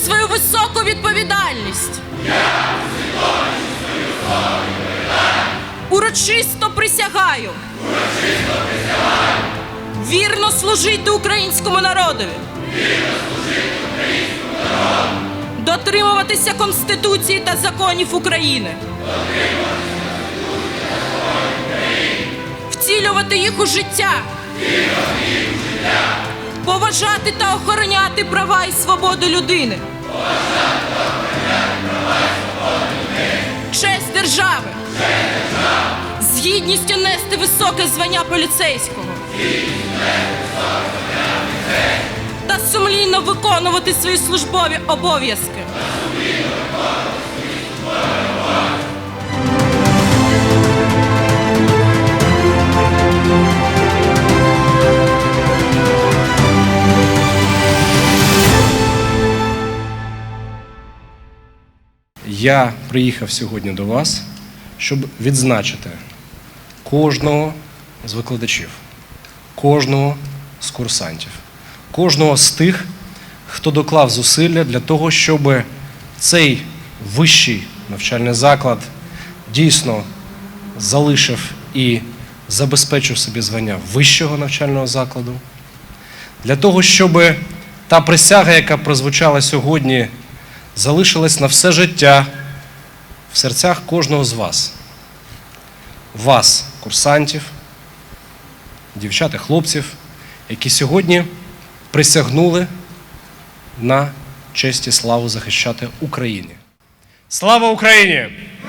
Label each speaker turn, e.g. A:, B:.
A: свою високу відповідальність. Урочисто присягаю. Вірно служити українському народові. Дотримуватися Конституції та законів України. Втілювати їх у життя. Поважати та охороняти права і свободу людини. Честь держави. З гідністю нести високе звання поліцейського. Та сумлінно виконувати свої службові обов'язки.
B: Я приїхав сьогодні до вас, щоб відзначити кожного з викладачів, кожного з курсантів, кожного з тих, хто доклав зусилля для того, щоб цей вищий навчальний заклад дійсно залишив і забезпечив собі звання вищого навчального закладу, для того, щоб та присяга, яка прозвучала сьогодні, залишилась на все життя в серцях кожного з вас. Вас, курсантів, дівчат і хлопців, які сьогодні присягнули на честь і славу захищати Україну. Слава Україні!